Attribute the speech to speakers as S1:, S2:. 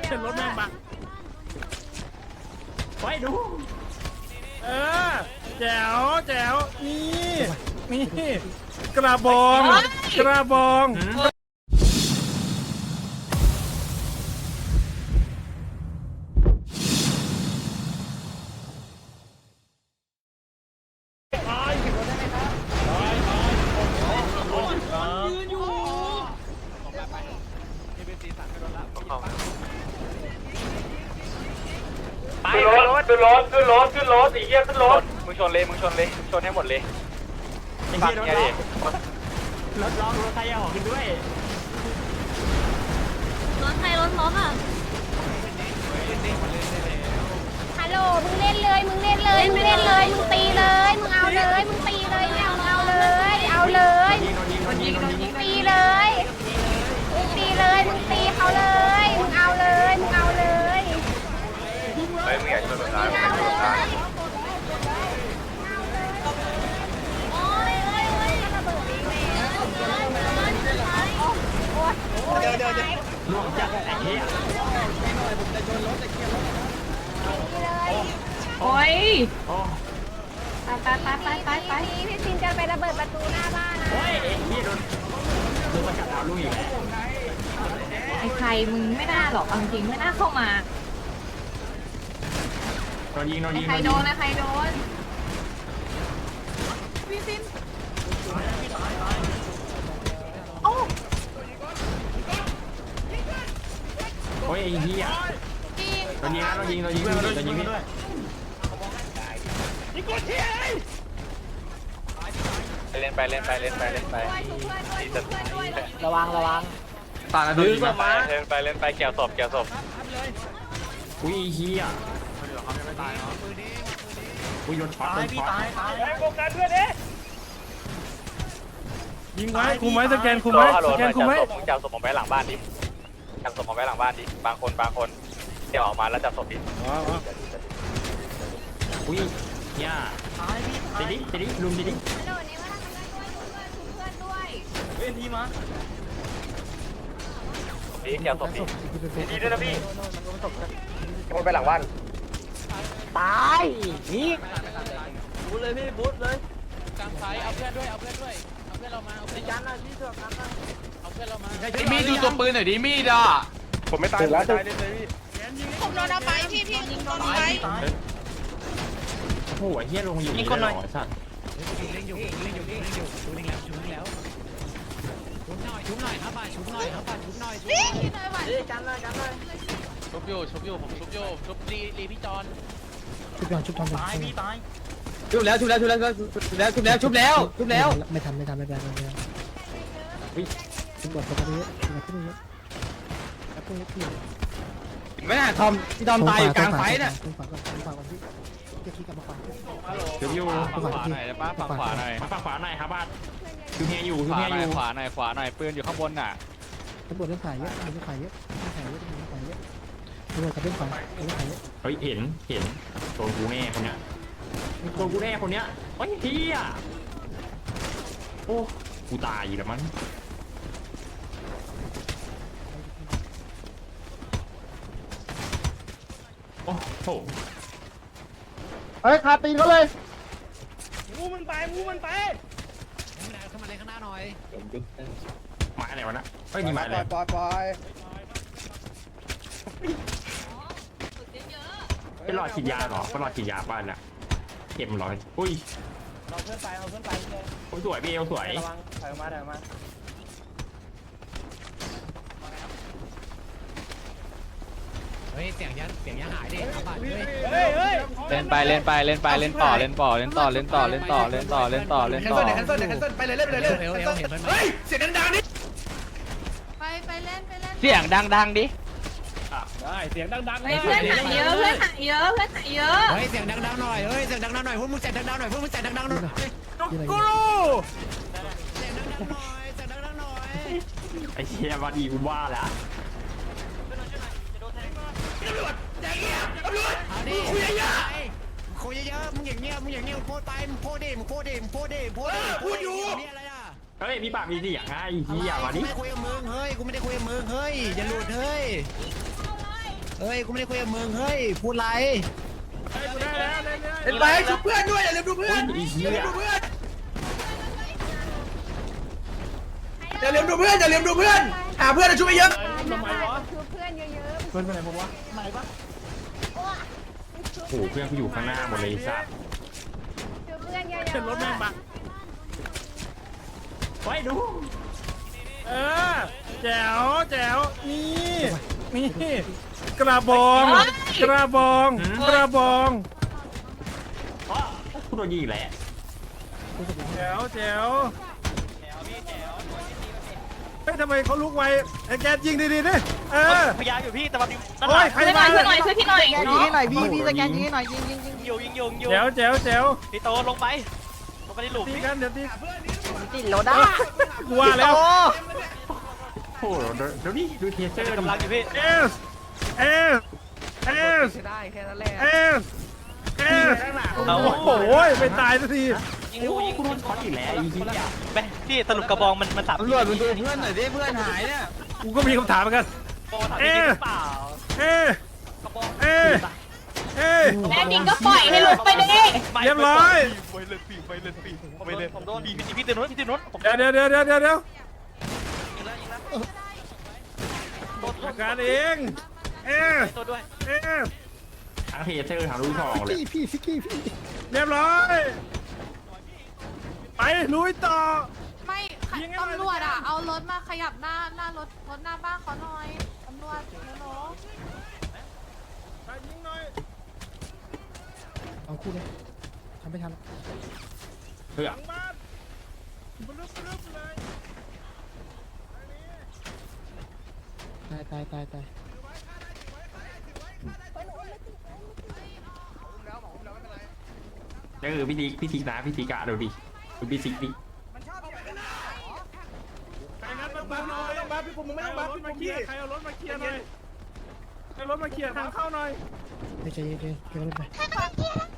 S1: เข็นรถแม่งปะไปดูแจ๋วแจ๋วนี่กระบองกระบอง
S2: ขึ้นรถไอ้เหี้ยขึ้นรถมึงชนเลยชนให้หมดเลยไอ้เหี้ยรถร้องรถใครออกกันด้วย
S3: รถใครรถอ่ะฮัลโหลมึงเล่นเลยมึงตีเลยมึงเอาเลยมึงตีเลยมึงเอาเลยมึงตีเลยมึงตีเลยมึงตีเขาเลยมึงเอาเลย
S2: ไม่อยากชนรถร้าย
S1: ล่วงจัดไอ้เหี้ย
S3: โอ้ยไปพี่ซินจะไประเบิดประตูหน้าบ้านนะ
S1: โอ้ยไอ้เหี้ยโดนประกาศดาวลูกอีกแล้ว
S3: ไอ้ใครมึงไม่น่าหรอกจริงไม่น่าเข้ามา
S1: โดนยิง
S3: ใครโดนนะใครโดนพี่ซิน
S1: โอ้ยไอ้เหี้ยโดนยิงพี่
S2: เล่นไประ
S3: วัง
S2: ตาดื้อมาเล่นไปเกี่ยวศพ
S1: อุ้ยเหี้ยอุ้ยโดนช็อตตาย
S2: โฟกัสเพื่อนเอ๊ะ
S1: ยิงไว้คุมไว้สแกนคุมไว้
S2: จับศพผมไปหลังบ้านดิบางคนเดี๋ยวออกมาแล้วจับศพดิ
S1: อุ้ยย่าติดิลุมดิ
S2: เว้นดีมาดีเกี่ยวศพดีด้วยนะพี่คนไปหลังบ้าน
S1: ตายนี่
S2: บูทเลยพี่บูทเลย
S4: กลางไฟเอาเพื่อนด้วยเอาเพื่อนเรามาเอาเพื่อนยันนะที่เสือกกันนะเอาเพื่อนเรามามีดูตัวปืนหน่อยดิมีดอ่ะ
S2: ผมไม่ตายแล้วตายเลยพี่
S3: ผมโดนเอาไปพี่โดนเอาไป
S1: โอ้โหเฮียลงอยู่นี่คนหน่อยสัตว์
S4: เล่นอยู่ชุบแล้วชุบหน่อยครับป่าชุบหน่อย
S3: กันเลย
S4: ชุบอยู่ผมชุบรีพี่จอน
S1: ชุบทำตายพี่ตาย
S5: ชุบแล้วไม่ทันไม่เป็นไรชุบหมดไปเยอะไม่น่าทอมที่ทอมตายอยู่กลางไฟน่ะ
S1: ฝั่งพี่จะคิดกับมาฝั่งอยู่
S4: ฝั่งขวาหน่อยได้ปะฝั่งขวาหน่อย
S1: ครับบ้านคือเฮียอยู่
S4: ขวาหน่อยปืนอยู่ข้างบนน่ะ
S5: ตำรวจเรื่องขายเยอะตำรวจกับเรื่องขายเยอะ
S1: เฮ้ยเห็นโดนกูแน่คนเนี้ยโอ้ยเฮียโอ้กูตายแล้วมั้งโอ้โห
S5: เฮ้ยคาตีนเขาเลย
S2: มูมันไป
S4: เข้ามาเลยข้างหน้าหน่อย
S1: มาอะไรวะนะเฮ้ยนี่มาอะไร
S5: ปล่อย
S1: เป็นหลอดฉีดยาหรอเป็นหลอดฉีดยาบ้านน่ะเก็บร้อยอุ้ย
S2: เอาเพื่อนไปเลย
S1: โอ้ยสวยพี่สวย
S2: ระวังถอยมา
S4: เฮ้ยเสียงยันหายดิ
S2: เล่นไปเล่นต่อ
S4: แคนเซิลไปเลย
S2: ไปเลยเฮ้ยเสียงดังดิ
S3: ไปเล่น
S2: เสียงดังดิ
S4: ได้เสียงดัง
S3: เพื่อนหายเยอะ
S4: เฮ้ยเสียงดังหน่อยพวกมึงเสียงดังหน่อย
S2: กู
S1: ไอ้เชี่ยว่าดีกูว่าแล้ว
S4: คุยเยอะมึงอย่างเงี้ยโพดไปมึงโพดดิพูดอยู่
S1: เฮ้ยมีปากมีเสียงไงเฮียมาดิ
S4: กูไม่คุยกับมึงเฮ้ยอย่าหลุดเฮ้ย
S5: เฮ้ยกูไม่ได้คุยกับมึงเฮ้ยพูดไร
S1: เฮ้ยกูได้แล้วเล่นเลย
S5: เห็นไหมชุบเพื่อนด้วยอย่าลืมดูเพื่อนอย่าลืมดูเพื่อนอย่าลืมดูเพื่อนอย่าลืมดูเพื่อนหาเพื่อนช่วยเยอะ
S3: ทำไมวะคือเพื่อนเยอะๆ
S1: เพื่อนไปไหนผมวะไหนปะ
S3: โอ้
S5: โอ้เพื่อนกูอยู่ข้างหน้าหมดเลยสัส
S3: คือเพื่อนเยอะๆ
S1: เข็นรถแม่งปะ
S2: ไว้ดู
S1: เออแจ๋วแจ๋วนี่นี่กระบองกระบองกระบอง
S2: กูโดนยิงแหละ
S1: แจ๋วแจ๋วเฮ้ยทำไมเขาลุกไวไอ้แกยิงดีๆดิเออ
S2: พยายามอยู่พี่แต่ว่า
S1: โอ้ยใครมา
S6: ช่วยหน่อยช่วยพี่หน่อย
S5: ยิงให้หน่อยพี่สแกนยิงให้หน่อยยิง
S2: ยิง
S1: แจ๋วแจ๋วแจ๋ว
S2: พี่โตลงไปในหลุม
S1: ตีกันเดี๋ยวตี
S6: ติดรถได้
S1: กูว่าแล้ว
S5: โอ้เดี๋ยวนี่ดูเทเซอร์
S2: กำลังอยู่พี่
S1: เอสเอสเอส
S6: ได้แค่นั้นแหละ
S1: เอสเอสโอ้โหไม่ตายสักที
S2: ยิงดูยิงกูโดนช็อตอีกแล้วยิงไปพี่สรุปกระบองมันสาม
S5: ตำรวจมึงดูเพื่อนหน่อยดิเพื่อนหายเนี่ย
S1: กูก็มีคำถามเหมือนกัน
S2: โบถามจริงหรือเปล่า
S1: เอส
S2: กระบอง
S1: เอสเอส
S6: แน่จริงก็ปล่อยให้หลุดไปดิ
S1: เรียบร้อย
S2: ไปเลยผมโดนพี่ตื่นนู้นพี่ตื่นนู้นผม
S1: เดี๋ยวจัดการเองเอส
S2: ตัวด้วย
S1: เอส
S5: ทั้งเทเซอร์ทั้งลูกซองเลย
S1: เรียบร้อย ไปลุยต่อ
S7: ไม่ตำรวจอ่ะ เอารถมาขยับหน้ารถหน้าบ้านเขาหน่อย ตำรวจโน้
S1: ไปยิงหน่อย
S5: เอาคู่เลยทำไม่ทัน
S1: หลังบ้านบลึบเลย
S5: ตาย ก็คือพี่ติ๊กนะพี่ติ๊กอะดูดิดูพี่ติ๊กดิ
S1: ใครงั้นมาหน่อยต้องบัฟพี่ผมไม่ต้องบัฟพี่มาเคลียร์ใครเอารถมาเคลียร์หน่อยให้รถมาเคลียร์ทางเข้าหน่อย
S5: ใจเย็นๆ